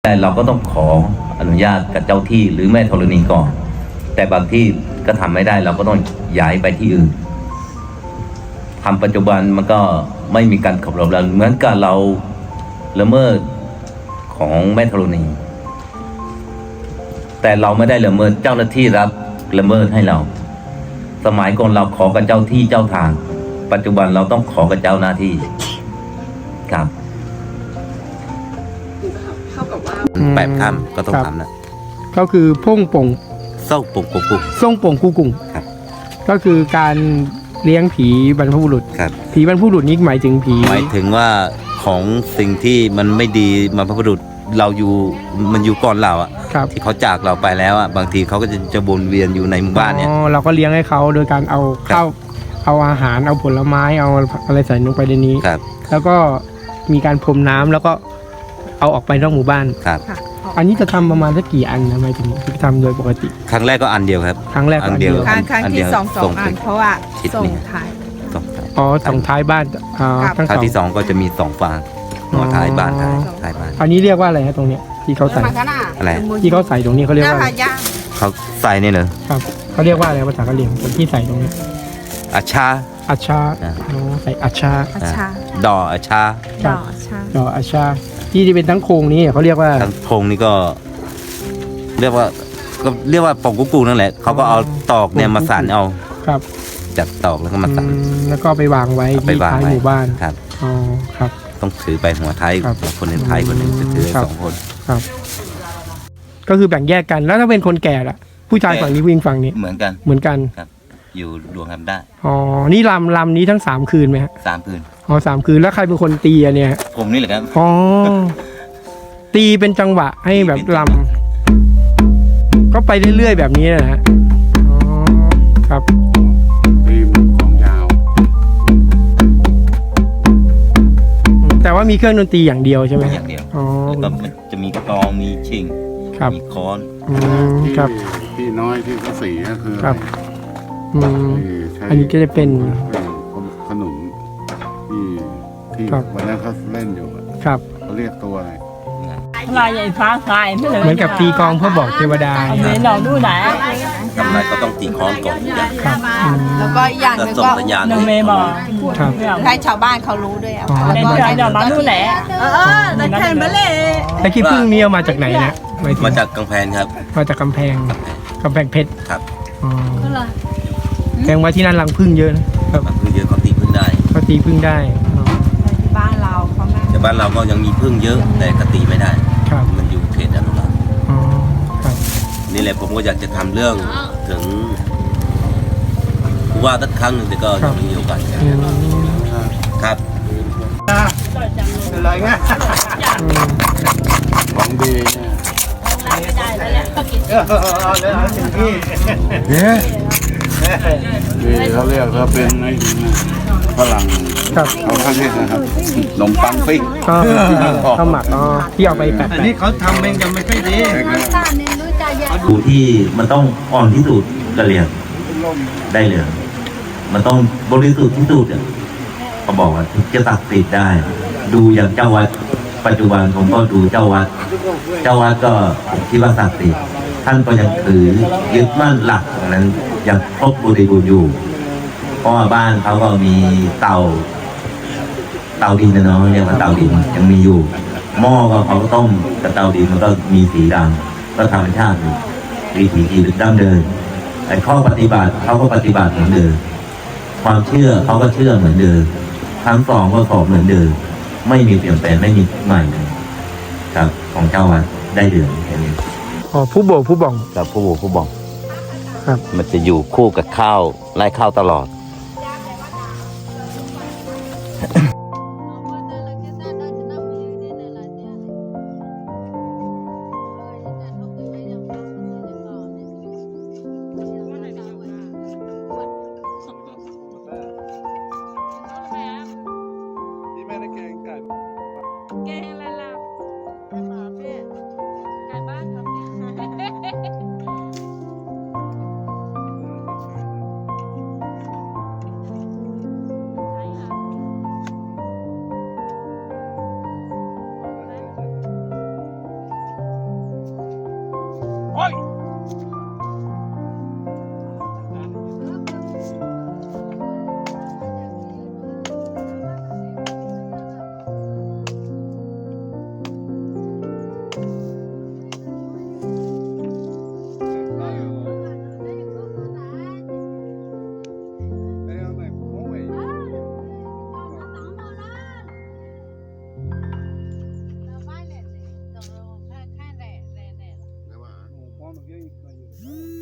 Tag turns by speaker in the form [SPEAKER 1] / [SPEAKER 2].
[SPEAKER 1] แต่เราก็ต้องขออนุญาตกับเจ้าที่หรือแม่ธรณีก่อนแต่บางที่ก็ทำไม่ได้เราก็ต้องย้ายไปที่อื่นทำปัจจุบันมันก็ไม่มีการขับรถแล้วเหมือนกับเราละเมิดของแม่ธรณีแต่เราไม่ได้ละเมิดเจ้าหน้าที่รับละเมิดให้เราสมัยก่อนเราขอกับเจ้าที่เจ้าทางปัจจุบันเราต้องขอกับเจ้าหน้าที่ครับ8 ค่ำก็ต้องทำนะ
[SPEAKER 2] ก็คือพ่งป่ง
[SPEAKER 1] ส่งป่งกุ๊ก
[SPEAKER 2] ส่งป่งกูกุ่ง
[SPEAKER 1] ครับ
[SPEAKER 2] ก็คือการเลี้ยงผีบรรพบุรุษ
[SPEAKER 1] ครับ
[SPEAKER 2] ผีบรรพบุรุษนี้หมายถึงผี
[SPEAKER 1] หมายถึงว่าของสิ่งที่มันไม่ดีบรรพบุรุษเราอยู่มันอยู่ก่อนเราอ่ะที่เขาจากเราไปแล้วอ่ะบางทีเขาก็จะวนเวียนอยู่ในหมู่บ้านเนี่ย
[SPEAKER 2] เราก็เลี้ยงให้เขาโดยการเอาข้าวเอาอาหารเอาผลไม้เอาอะไรใส่ลงไปในนี้
[SPEAKER 1] ครับ
[SPEAKER 2] แล้วก็มีการพรมน้ำแล้วก็เอาออกไปนอกหมู่บ้าน
[SPEAKER 1] ครับ
[SPEAKER 2] อันนี้จะทำประมาณสักกี่อันนะหมายถึงที่ทำโดยปกติ
[SPEAKER 1] ครั้งแรกก็อันเดียวครับ
[SPEAKER 2] ครั้งแรกอันเดียว
[SPEAKER 3] ครั้งที่สองอันเพราะว่าส่งท้าย
[SPEAKER 2] ส่งท้ายบ้าน
[SPEAKER 1] ครั้งที่2ก็จะมี2 ฟางหัวท้ายบ้านท้ายบ้าน
[SPEAKER 2] อันนี้เรียกว่าอะไรฮะตรงเนี้ยที่เขาใส่
[SPEAKER 1] อะไร
[SPEAKER 2] ที่เขาใส่ตรงนี้เขาเรียกว่า
[SPEAKER 1] เขาใส่เนี่ยเหรอ
[SPEAKER 2] ครับเขาเรียกว่าอะไรภาษากะเหรี่ยงที่ใส่ตรงนี้
[SPEAKER 1] อาชา
[SPEAKER 2] ใส่อาชา
[SPEAKER 1] ดออาชา
[SPEAKER 2] ดออาชาที่เป็นทั้งโครงนี้เขาเรียกว่า
[SPEAKER 1] ทั้งโครงนี้ก็เรียกว่าป่องกุ๊กนั่นแหละเขาก็เอาตอกเนี่ยมาสั่นเอา
[SPEAKER 2] ครับ
[SPEAKER 1] จัดตอกแล้วก็มาสั่น
[SPEAKER 2] แล้วก็ไปวางไว้ที่ท้ายหมู่บ้าน
[SPEAKER 1] ครับ
[SPEAKER 2] อ๋อครับ
[SPEAKER 1] ต้องถือไปหัวท้ายคนหนึ่งท้ายคนหนึ่งจะถือ2 คน
[SPEAKER 2] ครับก็คือแบ่งแยกกันแล้วถ้าเป็นคนแก่ล่ะผู้ชายฝั่งนี้ผู้หญิงฝั่งนี้
[SPEAKER 1] เหมือนกันครับอยู่รวมกันได้
[SPEAKER 2] อ๋อนี่ลำนี้ทั้ง3 คืนไหมฮะ
[SPEAKER 1] 3 คืน
[SPEAKER 2] อ๋อ3 คืนแล้วใครเป็นคนตีเนี่ย
[SPEAKER 1] ผมนี่แหละครับ
[SPEAKER 2] อ๋อตีเป็นจังหวะให้แบบลำก็ไปเรื่อยๆแบบนี้นะฮะอ๋อครับ
[SPEAKER 4] ตีมันของยาว
[SPEAKER 2] แต่ว่ามีเครื่องดนตรีอย่างเดียวใช่ไหม
[SPEAKER 1] อย่างเดียวอ๋อแล้วก็จะมีกลองมีชิงมีค้อน
[SPEAKER 2] ครับ
[SPEAKER 4] ที่น้อยที่เขาสีก็คือ
[SPEAKER 2] ครับอันนี้ก็จะเป็น
[SPEAKER 4] ขนมที่วันนั้นเขาเล่นอยู่
[SPEAKER 2] ครับ
[SPEAKER 4] เขาเรียกตัวอะไร
[SPEAKER 3] ลายใหญ่ฟ้าคาย
[SPEAKER 2] เหมือนกับตีกองเพื่อบอกเทวดา
[SPEAKER 3] เนี่ยเราดูไหน
[SPEAKER 1] ทำไรก็ต้องตีค้อนก่อน
[SPEAKER 2] ครับ
[SPEAKER 3] แล้วก็อย่างนึงก็
[SPEAKER 1] หนึ่ง
[SPEAKER 3] เมย์บอก
[SPEAKER 2] ให้
[SPEAKER 3] ชาวบ้านเขารู้ด้วย
[SPEAKER 2] แล้ว
[SPEAKER 3] ก็เดี๋ยวมาดูแหละแต่แทนมาเลย
[SPEAKER 2] แต่ขี้ผึ้งนี่เอามาจากไหนนะ
[SPEAKER 1] มาจากกำแพงครับ
[SPEAKER 2] มาจากกำแพงเพชร
[SPEAKER 1] ครับ
[SPEAKER 2] อ๋อแสดงว่าที่นั่นรังผึ้งเยอะนะครับ
[SPEAKER 1] ผึ้งเยอะเขาตีผึ้งได้
[SPEAKER 3] บ้านเราเขาไม่
[SPEAKER 1] แต่บ้านเราก็ยังมีผึ้งเยอะแต่ก็ตีไม่ได้มันอยู่เขตอนุรักษ์นี่แหละผมก็อยากจะทำเรื่องถึงว่าสักครั้งหนึ่งแต่ก็ยังไม่มีโอกาสครับ
[SPEAKER 4] อะไรเงี้ยของดีเนี่ยเขาเรียกเขาเป็นไอ้ฝรั่งเขาข้างนี้นะครับขนมปังปิ้ง
[SPEAKER 2] ข้าวหมักที่เอาไปแปะ
[SPEAKER 4] อันนี้เขาทำเองยังไม่ค่อยดี
[SPEAKER 1] ดูที่มันต้องอ่อนที่สุดกระเหลี่ยงได้เลยมันต้องบริสุทธิ์ที่สุดเขาบอกว่าจะตัดสิทธิ์ได้ดูอย่างเจ้าวัดปัจจุบันผมก็ดูเจ้าวัดก็ที่ว่าศักดิ์สิทธิ์ท่านก็ยังถือยึดมั่นหลักนั้นยังครบบริบูรณ์อยู่เพราะว่าบ้านเขาก็มีเตาดินนะเนาะเรียกว่าเตาดินยังมีอยู่หม้อก็เขาก็ต้มกับเตาดินมันก็มีสีดำก็ธรรมชาติอยู่วิถีชีวิตดั้งเดิมแต่ข้อปฏิบัติเขาก็ปฏิบัติเหมือนเดิมความเชื่อเขาก็เชื่อเหมือนเดิมทั้งสองก็ขอเหมือนเดิมไม่มีเปลี่ยนแปลงไม่มีใหม่ครับของเจ้าวัดได้เดือนแค่นี้
[SPEAKER 2] ผู้โบผู้บ่อง
[SPEAKER 1] กับผู้บ่องครับมันจะอยู่คู่กับข้าวไล่ข้าวตลอด
[SPEAKER 5] no viene,